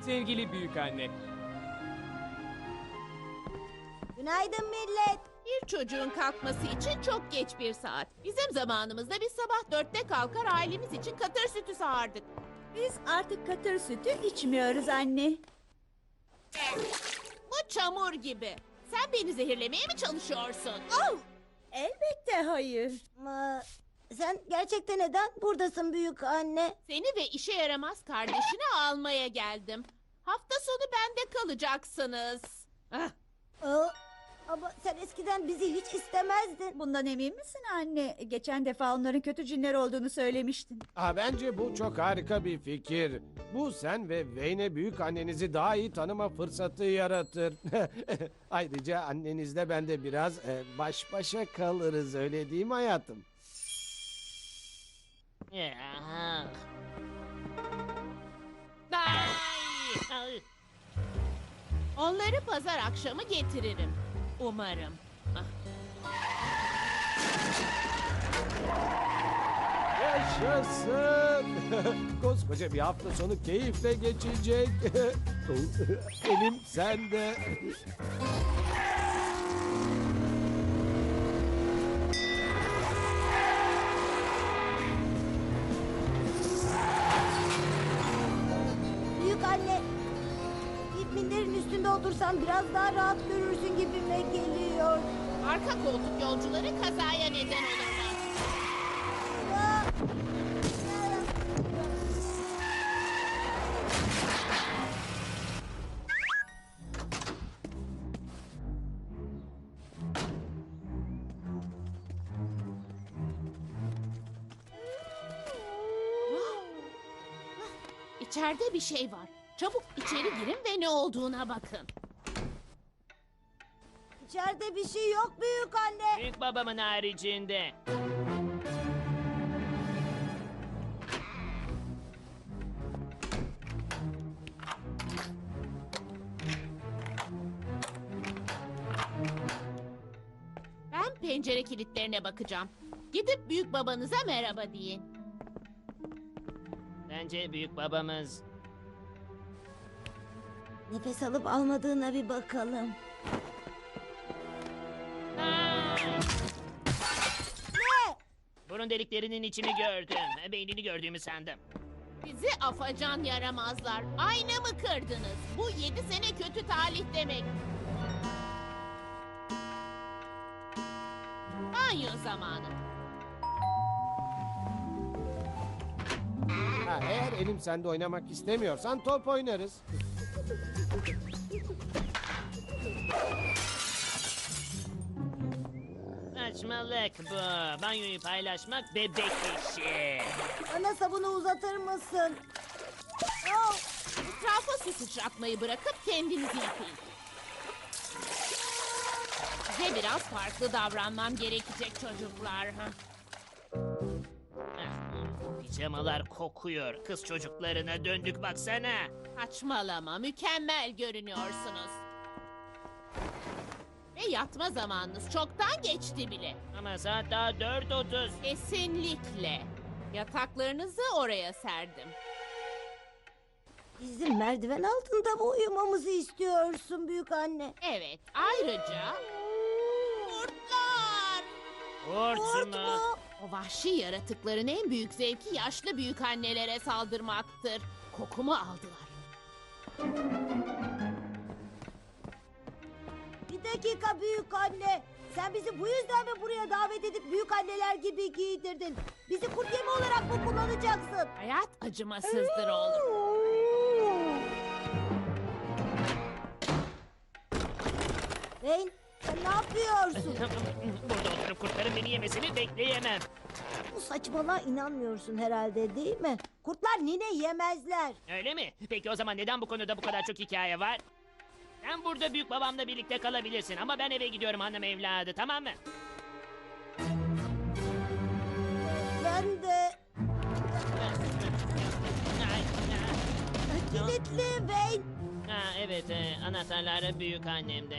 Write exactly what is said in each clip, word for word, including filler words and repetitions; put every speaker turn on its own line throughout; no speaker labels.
Sevgili büyükanne,
Günaydın millet.
Bir çocuğun kalkması için çok geç bir saat. Bizim zamanımızda biz sabah dörtte kalkar ailemiz için katır sütü sağardık.
Biz artık katır sütü içmiyoruz anne.
Bu çamur gibi. Sen beni zehirlemeye mi çalışıyorsun?
Oh! Elbette hayır. Ama sen gerçekten neden buradasın büyük anne?
Seni ve işe yaramaz kardeşini almaya geldim. Hafta sonu bende kalacaksınız. Ah,
Aa, ama sen eskiden bizi hiç istemezdin. Bundan emin misin anne? Geçen defa onların kötü cinler olduğunu söylemiştin.
Aa, bence bu çok harika bir fikir. Bu sen ve Wayne büyük annenizi daha iyi tanıma fırsatı yaratır. Ayrıca annenizle ben de biraz e, baş başa kalırız, öyle değil mi hayatım?
Ya. Ay! Ay!
onları pazar akşamı getiririm. Umarım. Ah,
Yaşasın! Koskoca bir hafta sonu keyifle geçecek. Elim sende.
Büyük anne, bir minderin üstünde otursan biraz daha rahat görürsün gibime geliyor.
arka koltuk yolcuları kazaya neden olurlar.
Aa!
İçeride bir şey var. Çabuk içeri girin ve ne olduğuna bakın.
İçeride bir şey yok büyük anne.
Büyük babamın haricinde.
Ben pencere kilitlerine bakacağım. Gidip büyük babanıza merhaba deyin.
Bence büyük babamız.
Nefes alıp almadığına bir bakalım.
Ay! Burun deliklerinin içini gördüm. Beynini gördüğümü sandım.
Bizi afacan yaramazlar. Aynamı kırdınız. Bu yedi sene kötü talih demek. Banyo zamanı.
Ha, eğer elim sende oynamak istemiyorsan top oynarız.
Saçmalık bu. Banyoyu paylaşmak bebek işi.
Bana sabunu uzatır mısın? Oh!
Etrafa su sıçratmayı bırakıp kendinizi yıkayın. Size biraz farklı davranmam gerekecek çocuklar. Ha?
Pijamalar kokuyor. Kız çocuklarına döndük baksana.
Saçmalama, mükemmel görünüyorsunuz. Ve yatma zamanınız çoktan geçti bile.
Ama saat daha dört otuz.
Kesinlikle. Yataklarınızı oraya serdim.
Bizim merdiven altında mı uyumamızı istiyorsun büyük anne?
Evet, ayrıca... Kurtlar!
Kurt
Kurt
mu?
mu?
O vahşi yaratıkların en büyük zevki yaşlı büyük annelere saldırmaktır. Kokumu aldılar.
Bir dakika büyük anne. Sen bizi bu yüzden mi buraya davet edip büyük anneler gibi giydirdin? Bizi kurt yemi olarak mı kullanacaksın?
Hayat acımasızdır oğlum.
Wayne, sen ne yapıyorsun?
Burada oturup kurtların beni yemesini bekleyemem.
Bu saçmalığa inanmıyorsun herhalde değil mi? Kurtlar nine yemezler.
Öyle mi? Peki o zaman neden bu konuda bu kadar çok hikaye var? Sen burada büyük babamla birlikte kalabilirsin ama ben eve gidiyorum hanım evladı, tamam mı?
Ben de
Ay,
kilitli Wayne.
Ha, evet, e, anahtarları büyük annemde.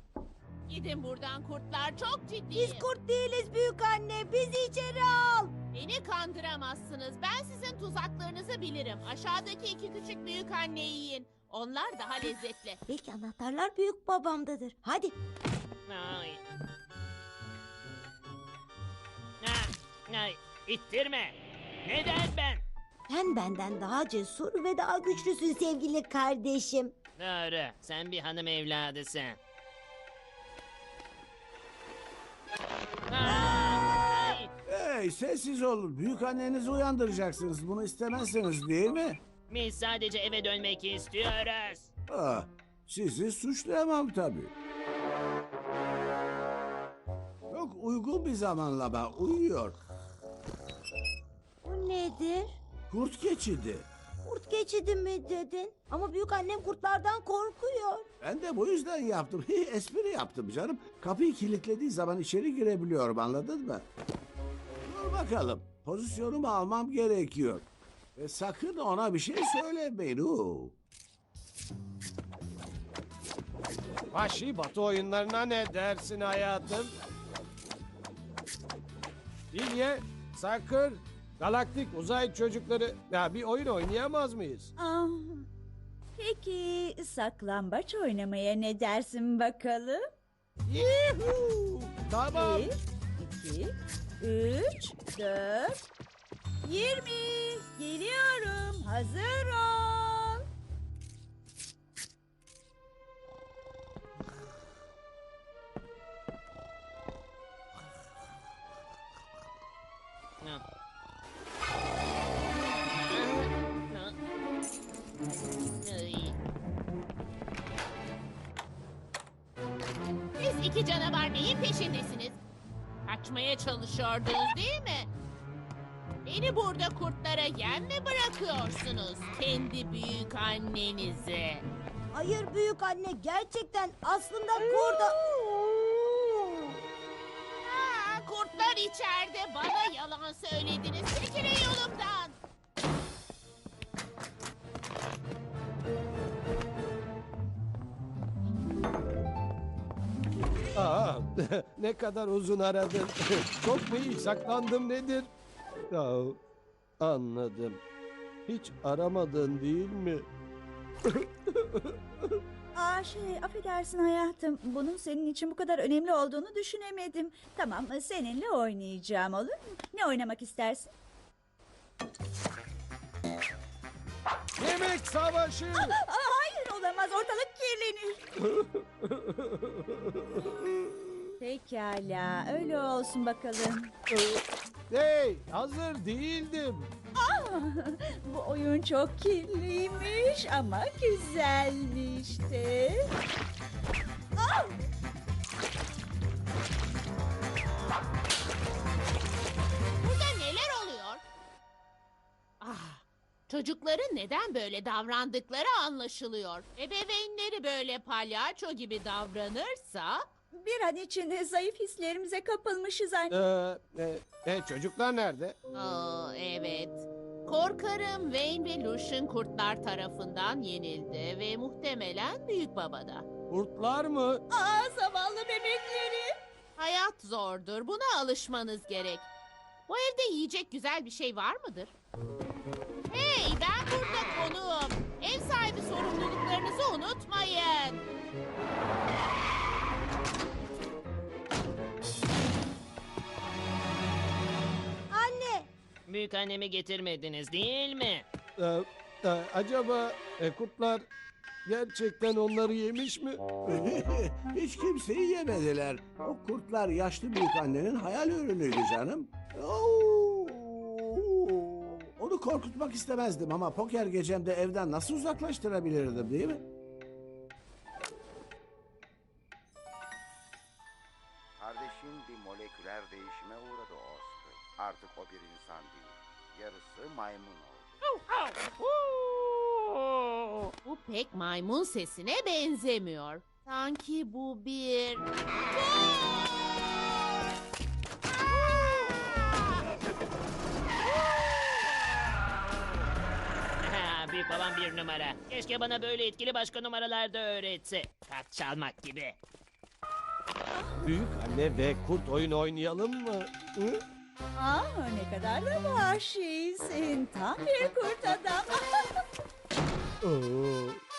Gidin buradan kurtlar, çok ciddiyim.
Biz kurt değiliz büyük anne. Bizi içeri al.
Beni kandıramazsınız. Ben sizin tuzaklarınızı bilirim. Aşağıdaki iki küçük büyük anne yiyin. Onlar daha lezzetli.
Belki anahtarlar büyük babamdadır. Hadi.
Ay. Ah, ay. İttirme. Neden ben?
Sen benden daha cesur ve daha güçlüsün sevgili kardeşim.
Doğru. Sen bir hanım evladısın. Ay.
Hey sessiz olun. Büyük annenizi uyandıracaksınız. Bunu istemezseniz değil mi?
Biz sadece eve dönmek istiyoruz.
Ah, sizi suçlayamam tabii. Çok uygun bir zamanlama. Uyuyor.
Bu nedir?
Kurt geçidi.
Kurt geçidi mi dedin? Ama büyük annem kurtlardan korkuyor.
Ben de bu yüzden yaptım. Espri yaptım canım. Kapıyı kilitlediği zaman içeri girebiliyorum, anladın mı? Dur bakalım. Pozisyonumu almam gerekiyor. Ve sakın ona bir şey söylemeyin. Oo.
Vahşi Batı oyunlarına ne dersin hayatım? Bilye, Sakır, Galaktik Uzay Çocukları. Ya bir oyun oynayamaz mıyız?
Ah, peki saklambaç oynamaya ne dersin bakalım?
Yuhuu! Tamam.
Bir, iki, üç, dört, yirmi. Geliyorum. Hazır ol.
No. Ay.
Siz iki canavar neyin peşindesiniz? Kaçmaya çalışıyordunuz değil mi? Beni burada kurtlara yem mi bırakıyorsunuz? Kendi büyük annenizi.
Hayır büyük anne, gerçekten aslında kurda...
Ha, kurtlar içeride bana yalan söylediniz. Çekilin yolumdan.
Aa, ne kadar uzun aradın. Çok mu iyi saklandım nedir? Ya, anladım. Hiç aramadın değil mi?
Aa şey affedersin hayatım. Bunun senin için bu kadar önemli olduğunu düşünemedim. Tamam seninle oynayacağım olur mu? Ne oynamak istersin?
Yemek savaşı!
Aa, hayır olamaz ortalık kirlenir. Pekala öyle olsun bakalım.
Hey, hazır değildim.
Bu oyun çok kirliymiş ama güzelmiş de.
Burada neler oluyor? Ah, çocukların neden böyle davrandıkları anlaşılıyor. Ebeveynleri böyle palyaço gibi davranırsa...
Bir an için zayıf hislerimize kapılmışız anne.
Ee, e, e, çocuklar nerede?
Aa, evet. Korkarım Wayne ve Lucian kurtlar tarafından yenildi ve muhtemelen büyük babada.
Kurtlar mı?
Aa zavallı bebekleri.
Hayat zordur. Buna alışmanız gerek. Bu evde yiyecek güzel bir şey var mıdır? Hey, ben burada konuğum. Ev sahibi sorumluluklarınızı unutmayın.
Anne,
Büyük annemi getirmediniz değil mi?
Ee, e, acaba e, kurtlar gerçekten onları yemiş mi?
Hiç kimseyi yemediler. O kurtlar yaşlı büyük annenin hayal ürünüydü canım. Oo! Onu korkutmak istemezdim ama poker gecemde evden nasıl uzaklaştırabilirdim değil mi?
Kardeşin bir moleküler değişime uğradı Oscar. Artık o bir insan değil. Yarısı maymun oldu.
Bu pek maymun sesine benzemiyor. Sanki bu bir...
Ha, büyük babam bir numara. Keşke bana böyle etkili başka numaralar da öğretse. Kart çalmak gibi.
Büyük anne ve kurt oyun oynayalım mı? Hı?
Aa, ne kadar da vahşisin. Tam bir kurt adam.
Oo,